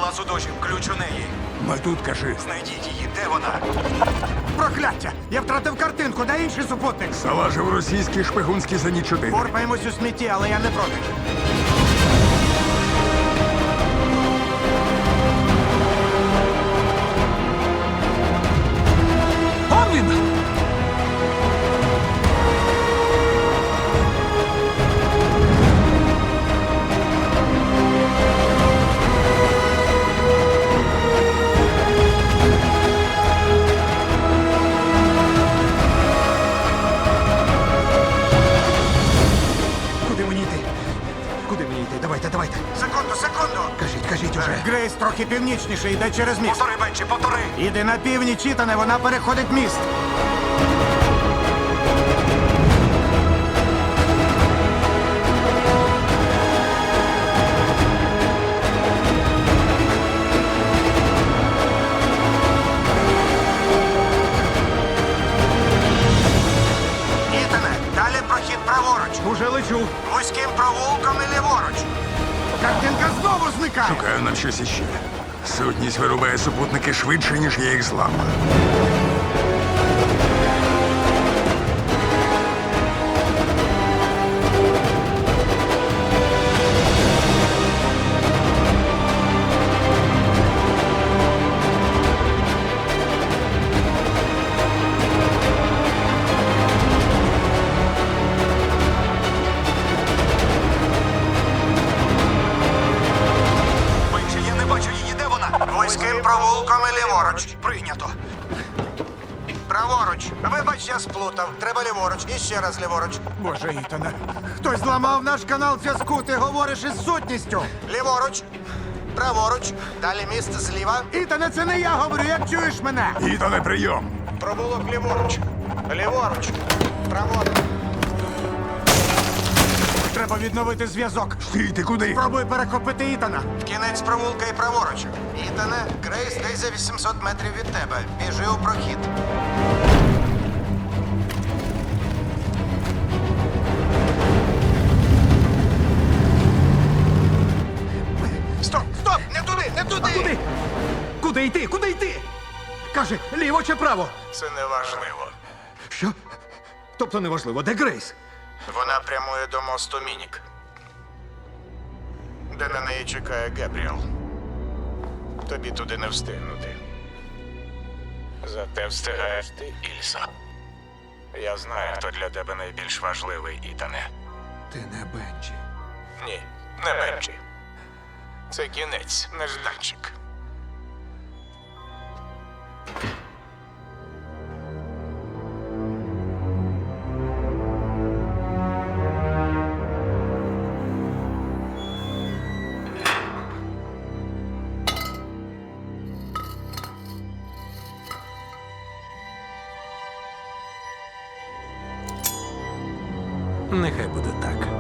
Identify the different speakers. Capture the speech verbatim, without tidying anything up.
Speaker 1: палацу дожів. Ключ у неї.
Speaker 2: Ми тут, кажи.
Speaker 1: Знайдіть її. Де вона?
Speaker 3: Прокляття! Я втратив картинку, де інший супутник?
Speaker 2: Залажив російський шпигунський зеніт чотири.
Speaker 3: Порпаємось у смітті, але я не проти.
Speaker 2: Он він!
Speaker 3: Куди мені йти? Куди мені йти? Давайте, давайте.
Speaker 1: Секунду, секунду.
Speaker 3: Кажіть, кажіть уже. Грейс трохи північніше, йде через міст.
Speaker 1: Повтори, Бенчі, повтори.
Speaker 3: Іди на північ, Ітане, вона переходить міст.
Speaker 1: Ітане, далі прохід праворуч.
Speaker 3: Уже лечу.
Speaker 1: Вузьким провулком і ліворуч.
Speaker 3: Картинка знову зникає.
Speaker 2: Шукаю нам щось іще. Сутність вирубає супутники швидше, ніж я їх зламаю.
Speaker 1: Бенчі, я не бачу її. Де вона?
Speaker 3: Вузьким провулком і ліворуч.
Speaker 1: Прийнято.
Speaker 3: Праворуч. Вибач, я сплутав. Треба ліворуч. І ще раз ліворуч. Боже, Ітане. Хтось зламав наш канал зв'язку. Ти говориш із сутністю. Ліворуч. Праворуч. Далі міст зліва. Ітане, це не я говорю, як чуєш мене?
Speaker 2: Ітане, прийом!
Speaker 3: Провулок ліворуч. Ліворуч. Праворуч. Треба відновити зв'язок.
Speaker 2: Стій, ти куди?
Speaker 3: Спробуй перехопити Ітана.
Speaker 1: В кінець провулка і праворуч. Ітане, Грейс десь за вісімсот метрів від тебе. Біжи у прохід.
Speaker 3: Стоп, стоп! Не туди, не туди! А куди? Куди йти? Куди йти? Каже, ліво чи право?
Speaker 1: Це неважливо.
Speaker 3: Що? Тобто неважливо, де Грейс?
Speaker 1: Вона прямує до мосту Мінік, де на неї чекає Гебріел. Тобі туди не встигнути. Зате встигаєш ти, Ільса. Я знаю, хто для тебе найбільш важливий, Ітане.
Speaker 3: Ти не Бенджі.
Speaker 1: Ні, не Бенджі. Це кінець, нежданчик.
Speaker 3: Нехай буде так.